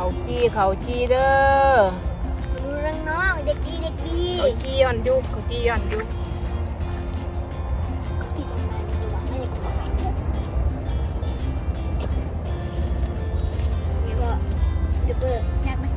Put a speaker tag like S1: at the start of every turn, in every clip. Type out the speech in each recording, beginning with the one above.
S1: เขาจีเด้อ
S2: ดูเรื่องน้องเด็กดี
S1: เขาจีย้อนยุกเขาจีย้อนยุก
S2: ที่ตรงนั้นดีกว่าไม่ได้กลัวไงก็เดี๋ยวเปิดยากไหม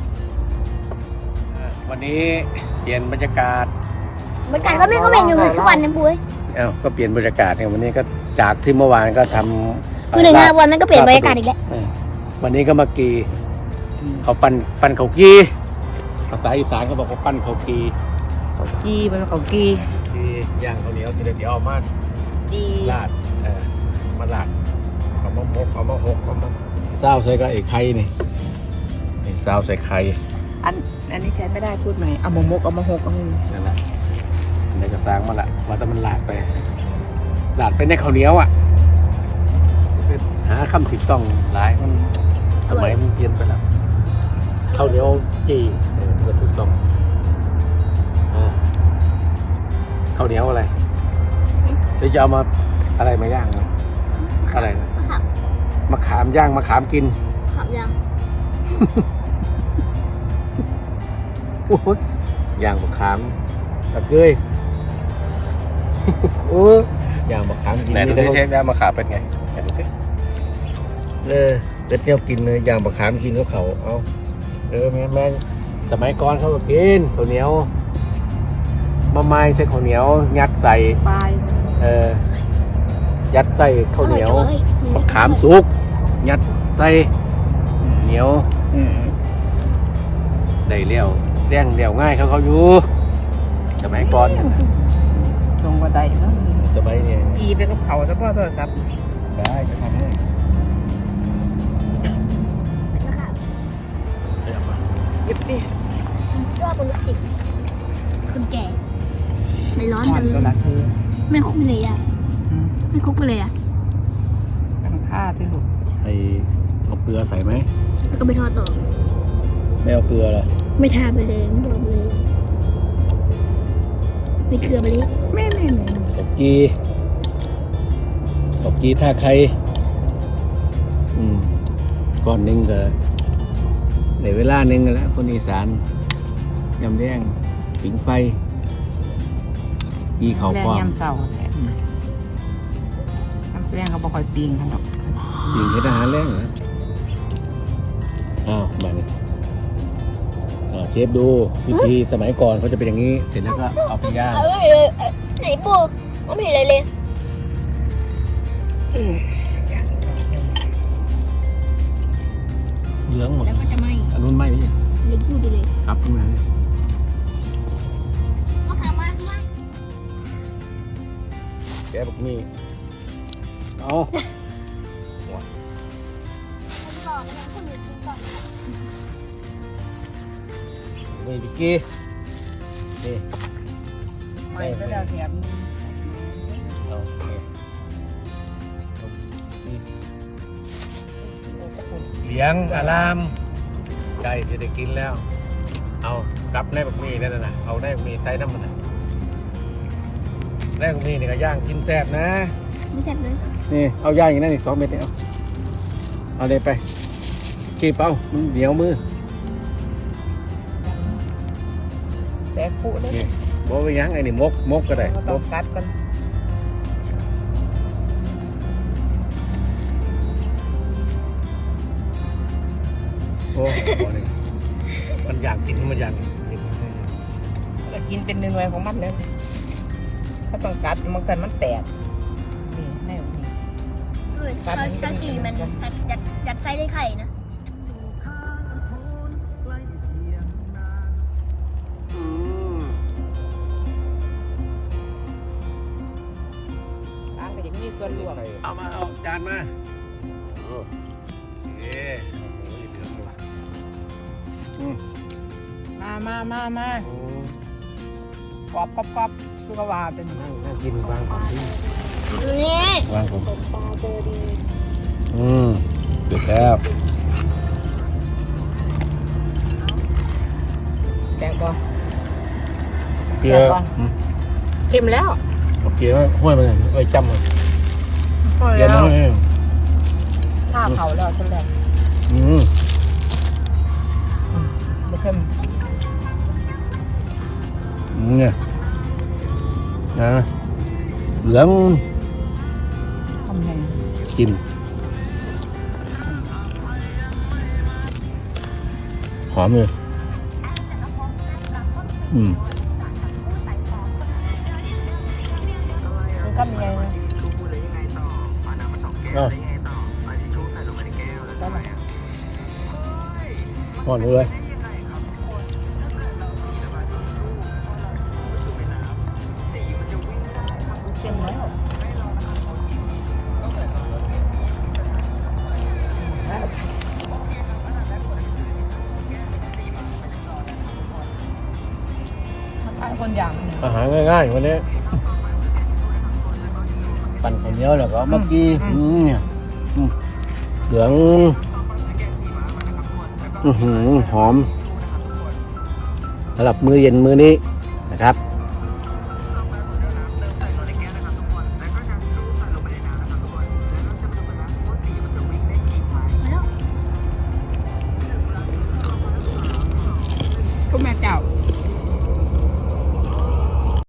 S3: วันนี้เปลี่ยนบรรยากาศ
S2: เหมือนกันก็ไม่ก็เป็นอยู่ทุกวันนะปุ้ย
S3: ก็เปลี่ยนบรรยากาศเนี่ยวันนี้ก็จากที่เมื่อวานก็ทำ
S2: คือ1 วันมันก็เปลี่ยนบรรยากาศอีกแล้ว
S3: วันนี้ก็มากีเขาปั้นเขากีภาษาอีสานเขาบอกว่าปั้นเขากี
S1: มันเขากี
S3: ย่างข้าวเหนียวทีเดียวเอามา
S1: จี
S3: ลาดมาลาดเอามาหมกเอามาหกเอามาเศร้าใส่ก็ไอ้ไข่นี่เศร้าใส่ไข่
S1: อันนี้แทนไม่ได้พูดใหม่เอามามกเอามาหกเอา
S3: นั่นแหละอันนี้ก็สร้างมาละว่าแต่มันลาดไปในข้าวเหนียวอ่ะหาคำถูกต้องหลายมันสมัยมันเปลี่ยนไปแล้วข้าวเหนียวจีก็ถูกต้องข้าวเหนียวอะไรหรือจะเอามาอะไรมาย่างอะไรมะขามย่างมะขามกิน
S2: ขามย่าง
S3: โอ้ยย่างมะขามตะเกยโอ้ย่างมะขามกินไหนดูสิเชฟย่างมะขามเป็นไงไหนดูสิเที่ยวกินเลยย่างมะขามกินก็เขาเอาแม่สมัยก่อนเขาก็กินข้าวเหนียวมะไม้ใส่ข้าวเหนียวยัดใส่ยัดใส่ข้าวเหนียวมะขามสุกยัดใส่เหนียวได้เลี้ยวเลี้ยวง่ายเขาอยู่สมัยก่อน
S1: ตรงบันไดเนาะ
S3: สมัยนี้
S1: จีไปกับเขาซะพ่อโทรศัพท์
S3: ได้จะทำให้
S1: หยิบดิ
S2: ชอบคนติดคนแก่ในร้อนมันไม่คุกไปเลยอ่ะไม่คุกไปเลยอ่ะ
S1: ตั้งท่าที่ลูก
S3: เอาเกลือใส่ไหม
S2: แล้วก็ไปทอดต่อ
S3: ไม่เอาเกลือเหรอ
S2: ไม่ทาไปเลยไม่บอกเลยไม่เกลือไปเลย
S1: ไม่
S3: ตบกีท่าใครก่อนนึงก็ในเวลานึงกันแล้วคนอีสานยำแดงผิงไฟกีเขาคว
S1: ยำเสายำแดงเขาบอกคอยปีงกันหรอก
S3: ปีงให้ทหารแรงนะมาเนี่ยเชฟดูวิธีสมัยก่อนเขาจะเป็นอย่างนี้เสร็จแล้วก็เอาไปย่าง
S2: ไหนปูไม่เห็นอะไรเลย
S3: เหลืองหมด
S2: แล้วก็จะไหม้
S3: อันนู้นไหม้ไหมเนี่ย
S2: เล็กพูดไปเลย
S3: ครับขึ้นมาเนี่ย
S2: มาทำมาทำไม
S3: แกบอกนี่เอาไม่ดิกี้นี่
S1: ไม่ก็ได้แถม
S3: เลี้ยงอารามไก่จะได้กินแล้วเอากลับได้บักมี่นั่นน่ะเอาได้บักมี่ใส่น้ำมันได้บักมี่นี่ก็ย่างกินแซ่บนะ
S2: ไม่แซ่บเลย
S3: นี่เอาย่างอย่างนั้นอีก2 เม็ดเอาเลยไปขี้เป้ามันเหนียวมือ
S1: แต่คู่เลย
S3: บอกไปยังไงนี่มกก็ได้
S1: ต้องกัดกัน
S3: โอ้มันอยากกินมันอยาก
S1: แล้วกินเป็นหน่วยของมันเลยถ้าต้องกัดมันแตกนี่แน่นี่
S2: เขาจีมันจัดไส้ได้ไข่นะ
S1: ล้างก็อย่างนี้ส่วนรวม
S3: เอาจานมาโอเค
S1: มากรอบคือก็ว่าเป็น
S3: นั่งกินวางของที่
S2: นี่
S3: วางของ
S2: ปลาเจอดี
S3: เสร็จแล้ว
S1: แกงก่อน
S3: เกลือ
S1: เค็มแล้ว
S3: เกลือห้วยมันไว้จำเลย
S1: ห้วยแล้วข้าวเผาแล้วใช่ไหมเพิ่ม
S3: เนี่ยนะเหลือง
S1: ทำไง
S3: จิ้มหอมเลยอืม
S1: มันทำยังไงนะ
S3: อ่ะหอมเลย
S1: เต็มแล้วคนอย่าง
S3: อาหารง่ายๆวันนี้ ปั่นข้าวเหนียวแล้วก็เมื่อกี้เนี่ยเหลืองหอมสำหรับมื้อเย็นมื้อนี้นะครับ